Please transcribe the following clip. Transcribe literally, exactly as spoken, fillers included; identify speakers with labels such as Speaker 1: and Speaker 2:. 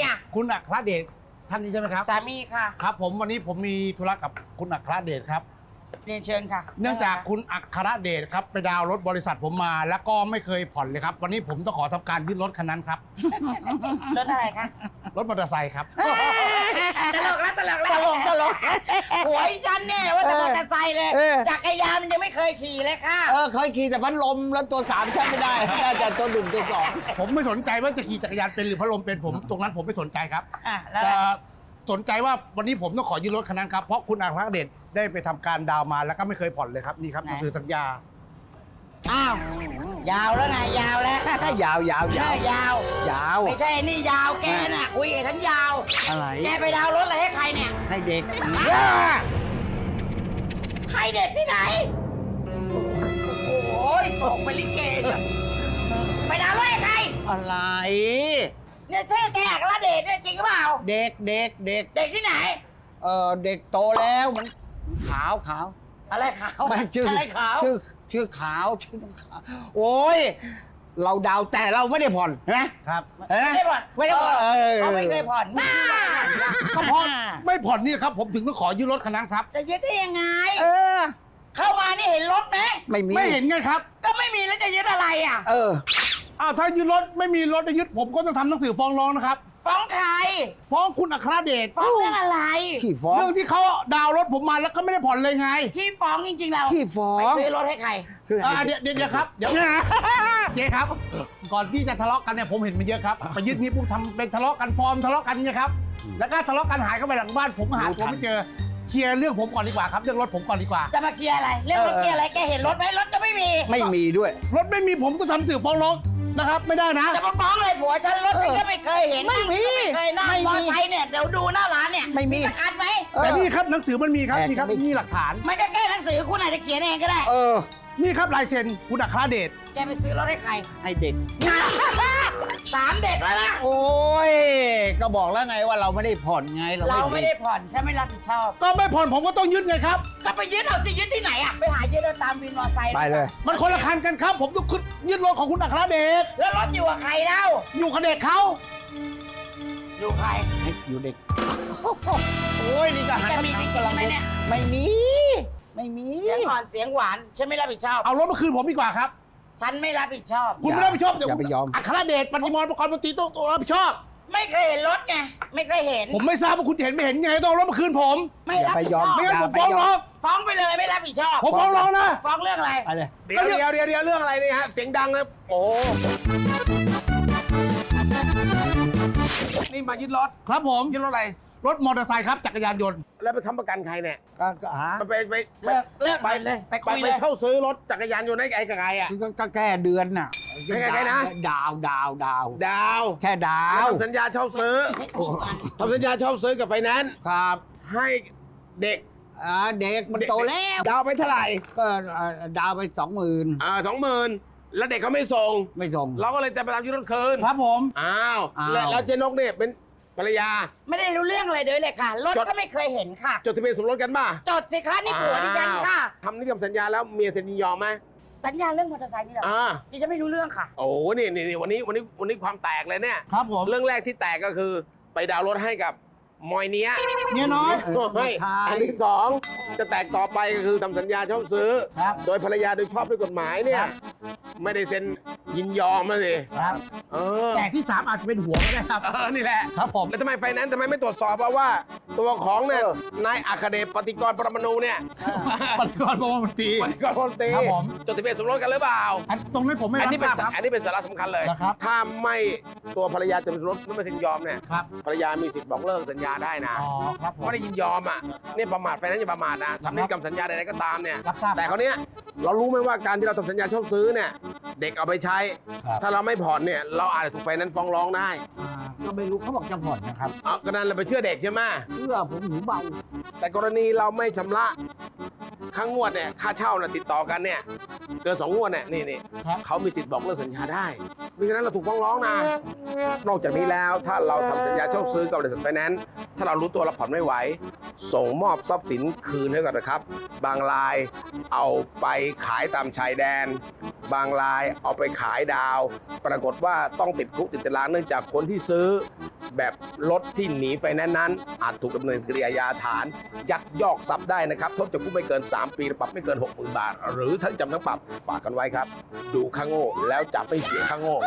Speaker 1: อ่ะ
Speaker 2: คุณอัครเดชท่านนี้ใช่ไหมครับ
Speaker 1: สามีค่ะ
Speaker 2: ครับผมวันนี้ผมมีธุระกับคุณอัครเดชครับ
Speaker 1: เรียนเชิญค่ะ
Speaker 2: เนื่องจากคุณอัครเดชครับไปดาวน์รถบริษัทผมมาแล้วก็ไม่เคยผ่อนเลยครับวันนี้ผมต้องขอทำการยึดรถคันนั้นครับ
Speaker 1: รถอะไรคะ
Speaker 2: รถมอเตอร์ไซค์ครับ
Speaker 1: ตลกแล้วตลกแล้ว
Speaker 3: ตลกตลก
Speaker 1: หัวฉันเนี่ยว่าแต่มอเตอร์ไซค์เลย
Speaker 3: เออ
Speaker 1: จักรยานมันยังไม่เคยขี่เลยค่ะ
Speaker 3: เออเคยขี่แต่พัดลมแล้วตัวสามใช้ไม่ได้ได้แต่ตัวหนึ่งตัวสอง
Speaker 2: ผมไม่สนใจว่าจะขี่จักรยานเป็นหรือพัดลมเป็นผมตรงนั้นผมไม่สนใจครับ
Speaker 1: อ่ะแล้ว
Speaker 2: แต่สนใจว่าวันนี้ผมต้องขอยืมรถคันนั้นครับเพราะคุณอัครเดชได้ไปทำการดาวน์มาแล้วก็ไม่เคยผ่อนเลยครับนี่ครับนี่คือสัญญา
Speaker 1: อ้าว ยาวแล้วไงยาวแล้ว
Speaker 3: ยาวยาวยา
Speaker 1: ใช่
Speaker 3: วย
Speaker 1: าว
Speaker 3: ยาว
Speaker 1: ไม่ใช่นี่ยาวแกน่ะคุยกับฉันยาว
Speaker 3: อะไร
Speaker 1: แกไปดาวน์รถอะไรให้ใครเนี่ย
Speaker 3: ให้เด็ก
Speaker 1: ให้เด็กที่ไหน โอ้ยส่งไปลิเกจ้ะไปดาวน์รถให้ใคร
Speaker 3: อะไร
Speaker 1: เนี่ยชื่อแกอัครเดชเนี่ยจริงหรือเปล่า
Speaker 3: เด็กเด็กเด็ก
Speaker 1: เด็กที่ไหน
Speaker 3: เออเด็กโตแล้วมันขาวขาว
Speaker 1: อะไรขาว
Speaker 3: ไม่ชื่อ
Speaker 1: อะไรขาว
Speaker 3: ชื่อชื่อขาวชื่อขาวโอ้ยเราดาวแต่เราไม่ได้ผ่อนเห็นไหม
Speaker 2: ครับ
Speaker 3: เห็นห
Speaker 1: ไม่ได้ผ่อน
Speaker 3: ไม่ได้ผ่อนเออ
Speaker 1: เขาไม่เคยผ่อนไม่ชื่ออะไรผ่อน
Speaker 2: ก็เพราะไม่ผ่อนนี่ครับผมถึงต้องขอยืมรถคันนั้นครับ
Speaker 1: จะยึดได้ยังไง
Speaker 3: เออ
Speaker 1: เข้ามานี่เห็นรถไหม
Speaker 3: ไม่มี
Speaker 2: ไม่เห็นไงครับ
Speaker 1: ก็ไม่มีแล้วจะยึดอะไรอ่ะ
Speaker 3: เออ
Speaker 2: อ้าวถ้ายึดรถไม่มีรถจะยึดผมก็ต้องทำหนังสือฟ้องร้องนะครับ
Speaker 1: ฟ้องใคร
Speaker 2: ฟ้องคุณอัครเดช
Speaker 1: ฟ้องเรื่องอะไร
Speaker 3: ขี้ฟ้อง
Speaker 2: เรื่องที่เขาดาวน์รถผมมาแล้วก็ไม่ได้ผ่อนเลยไง
Speaker 1: ที่ฟ้องจริงๆเรา
Speaker 3: ขี้ฟ้อ
Speaker 1: ไป
Speaker 3: ง
Speaker 1: ซื้อรถให้ใคร
Speaker 3: คือ
Speaker 2: อ่าเดี๋ยวเดี๋ยวเดี๋ยวครับเดี๋ยวเจ๊ครับ ก่อนที่จะทะเลาะกันเนี่ยผมเห็นมาเยอะครับไปยึดนี้ปุ๊บทำเป็นทะเลาะกันฟอร์มทะเลาะกันเนี่ยครับแล้วก็ทะเลาะกันหายเข้าไปหลังบ้านผมหาตัวไม่เจอเคลียร์เรื่องผมก่อนดีกว่าครับเรื่องรถผมก่อนดีกว่า
Speaker 1: จะมาเคลียร์อะไร เรื่องรถเคลียร์อะไร แกเห็นรถไหมรถก็ไม่มี
Speaker 3: ไม่มีด้วย
Speaker 2: รถไม่มีผมก็ทำหนังสือฟ้องร้องนะครับ ไม่ได้นะ
Speaker 1: จะมาฟ้องเลยผัวฉันรถฉันก็ไม่เคยเห็น
Speaker 3: ไม่มี
Speaker 1: ไม่เคยนั่ง
Speaker 3: ไม่มี
Speaker 1: มอไซค์เนี่ยเดี๋ยวดูหน้าร้านเนี่ย
Speaker 3: ไม่มี
Speaker 1: สกัดไหม
Speaker 3: เออ
Speaker 2: แต่นี่ครับหนังสือมันมีครับ
Speaker 3: แต่
Speaker 2: นี่ครับ
Speaker 3: ไม่
Speaker 2: นี่หลักฐาน
Speaker 1: ไม่ก็แค่หนังสือคุณอาจจะเขียนเองก็ได้
Speaker 3: เออ
Speaker 2: นี่ครับลายเซ็นคุณอัครเดช
Speaker 1: แกไปซื้อรถให้ใคร
Speaker 3: ให้เด็ก
Speaker 1: สามเด็กแล้วนะ
Speaker 3: โอ้ย ก็บอกแล้วไงว่าเราไม่ได้ผ่อนไง
Speaker 1: เราไม่ได้ผ่อนถ้าไม่รับผิดชอบ
Speaker 2: ก็ไม่ผ่อนผมก็ต้องยึดไงครับ
Speaker 1: ก็ไปยึดเอาสิยึดที่ไหนอะไปหายึดเอาตามวินมอไซค์
Speaker 3: ไปเลย
Speaker 2: มันคนละคันกันครับ ผมต้องยึดรถของคุณอัครเดช
Speaker 1: แล้วรถอยู่กับใครเล่า
Speaker 2: อยู่กับเด็กเขา
Speaker 1: อยู่ใคร
Speaker 3: ให้อยู่เด็ก โอ้ยนี่ก็หัน
Speaker 1: แกมีจริงๆไหมเนี่ย
Speaker 3: ไม่มี ไม่มี
Speaker 1: เสียงอ่อนเสียงหวานฉันไม่รับผิดชอบ
Speaker 2: เอารถมาคืนผมดีกว่าครับ
Speaker 1: ฉันไม่รับผิดชอบ
Speaker 2: คุณไม่รับผิดชอบเดี๋ยว
Speaker 3: อย่าไปยอม
Speaker 2: อัครเดชปฏิมรประกอบมนตรีต้องต้องรับผิดชอบ
Speaker 1: ไม่เคยเห็นรถไงไม่เคยเห็น
Speaker 2: ผมไม่ทราบว่าคุณจะเห็นไม่เห็นไงต้องเอารถมาคืนผม
Speaker 1: ไม่รับผิดชอบ
Speaker 2: ไม่งั้นผม
Speaker 3: อย่าไป
Speaker 2: ฟ้อง
Speaker 3: ยอม
Speaker 2: ร้อง
Speaker 1: ฟ้องไปเลยไม่รับผิดชอบ
Speaker 2: ผมฟ้องร้องนะ
Speaker 1: ฟ้องเรื่องอะไร
Speaker 3: ไปเลย
Speaker 4: เดี๋ยวเดี๋ยวเดี๋ยวเดี๋ยวเรื่องอะไรเนี่ยฮะ เสียงดังเลยโอ้โหนี่มายึดรถ
Speaker 2: ครับผม
Speaker 4: ยึดรถอะไร
Speaker 2: รถมอเตอร์ไซค์ครับจักรยานยนต์
Speaker 4: แล้วไปค้ำประกันใครเนี่ย
Speaker 3: ก็ก็หา
Speaker 4: มันไปไป
Speaker 1: เลิกเลิก
Speaker 4: ไป
Speaker 1: ไปเลยไป
Speaker 4: ไป
Speaker 1: คุย
Speaker 4: ไป
Speaker 1: เลย
Speaker 4: เช่าซื้อรถจักรยานยนต์ให้ไอ้กับใครอ่ะ
Speaker 3: ก็ก็แค่เดือนน่ะ
Speaker 4: แค่แค่นะ
Speaker 3: ดาวดาวดาว
Speaker 4: ดาว
Speaker 3: แค่ดา
Speaker 4: แล้ว
Speaker 3: ว
Speaker 4: ทำสัญญาเช่าซื้อทำสัญญาเช่าซื้อกับไฟแนนซ์
Speaker 3: ครับ
Speaker 4: ให้เด็ก
Speaker 3: อ่าเด็กมันโตแล้ว
Speaker 4: ดาวไปเท่าไหร่
Speaker 3: ก็อ่าดาวไปสองหมื่น
Speaker 4: อ่าสองหมื่นแล้วเด็กเขาไม่ส่ง
Speaker 3: ไม่ส่ง
Speaker 4: เราก็เลยจะไปตามยึดรถคืน
Speaker 2: ครับผม
Speaker 4: อ้าว
Speaker 3: อ้าว
Speaker 4: แล้วแล้วเจนกเนี่ยเป็นภรรยา
Speaker 1: ไม่ได้รู้เรื่องอะไรเลยเลยค่ะ รถ
Speaker 4: จด
Speaker 1: ก็ไม่เคยเห็นค่ะ
Speaker 4: จดทะเบียนสมรสกันป่ะ
Speaker 1: จดสิคะนี่ผัวดิฉันค่ะ
Speaker 4: ทำนิติสัญญาแล้วเมียเซ็นยินยอมไหม
Speaker 1: สัญญาเรื่องมอเตอร์ไซค์นี่เหรอ
Speaker 4: อ่า
Speaker 1: ดิฉันไม่รู้เรื่องค่ะ
Speaker 4: โอ้นี่นี่นี่วันนี้วันนี้วันนี้ความแตกเลยเนี่ย
Speaker 2: ครับผม
Speaker 4: เรื่องแรกที่แตกก็คือไปดาวน์รถให้กับมอยเนี้ย
Speaker 2: เนี่ยน้อย
Speaker 3: เออ
Speaker 4: ให้
Speaker 3: ใช่
Speaker 4: อันที่สองจะแตกต่อไปก็คือทำสัญญาเช่าซื้อ
Speaker 2: ครับ
Speaker 4: โดยภรรยาโดยชอบด้วยกฎหมายเนี่ย
Speaker 2: ครับ
Speaker 4: ไม่ได้เซ็นยินยอมมาสิ
Speaker 2: ครับ
Speaker 4: เออ
Speaker 2: แต่ที่สามอาจจะเป็นหัวก็ได้ครับ
Speaker 4: เออนี่แหละ
Speaker 2: ครับผม
Speaker 4: แล้วทำไมไฟแนนซ์ทำไมไม่ตรวจสอบว่าว่า ตัวของเนี่ยนายอัครเดชปฏิกรณ์ปรมาณูเนี่ย
Speaker 2: ปฏิกรณ์ประมนตรี
Speaker 4: ปฏิกรณ์พลตรี
Speaker 2: ครับผม
Speaker 4: จดทะเบียนสมรสกันหรือเปล่า
Speaker 2: อันตรงนี้ผมไม่
Speaker 4: อัน
Speaker 2: รับ
Speaker 4: นี้
Speaker 2: ท
Speaker 4: เป็น
Speaker 2: ราบครับ
Speaker 4: อันนี้เป็นสาระสำคัญเลย
Speaker 2: นะครับ
Speaker 4: ถ้าไม่ตัวภรรยาจดทะเบียนสมรสไม่เซ็นยอมเนี่ย
Speaker 2: ครับ
Speaker 4: ภรรยามีสิทธิ์บอกเลิกสัญญาได้นะ
Speaker 2: อ๋อครับผม
Speaker 4: ไม่ได้ยินยอมอ่ะเนี่ยประมาทไฟแนนซ์อย่าประมาทนะทำนิติกรรมสัญญาใดๆก็ตามเนี่ย
Speaker 2: รับทราบ
Speaker 4: แต่เขาวเนี้ยเรารู้ไหมว่าการที่เราทำสัญญาเช่าซื้อเนี่ยเด็กเอาไปใช้
Speaker 2: ครับ
Speaker 4: ถ้าเราไม่ผ่อนเนี่ยเราอาจจะถูกไฟแนนซ์ฟ้องร้องได้
Speaker 3: อ่าก็ไม่รู้เขาบอกจะผ่อนนะครับ
Speaker 4: เอาก็นั้นเราไปเชื่อเด็กใช่ไหม
Speaker 3: เพื่อผมหูเบา
Speaker 4: แต่กรณีเราไม่ชำระค่างวดเนี่ยค่าเช่าน่ะติดต่อกันเนี่ยเกินสองงวดเนี่ยนี่นี่
Speaker 2: ครับ
Speaker 4: เขามีสิทธิ์บอกเลิกสัญญาได้มิฉะนั้นเราถูกฟ้องร้องนะ นอกจากนี้แล้วถ้าเราทำสัญญาเช่าซื้อกับบริษัทไฟแนนซ์ถ้าเรารู้ตัวเราผ่อนไม่ไหว ส่งมอบทรัพย์สินคืนให้กันนะครับ บางรายเอาไปขายตามชายแดน บางรายเอาไปขายดาว ปรากฏว่าต้องติดคุกติดตารางเนื่องจากคนที่ซื้อ แบบรถที่หนีไฟแนนซ์นั้น อาจถูกดำเนินคดีอาญาฐาน ยักยอกทรัพย์ได้นะครับโทษจำคุกไม่เกิน สาม ปีปรับไม่เกิน หกหมื่น บาท หรือทั้งจำทั้งปรับฝากกันไว้ครับ ดูข้างโง่แล้วจะไม่เสียข้างโง่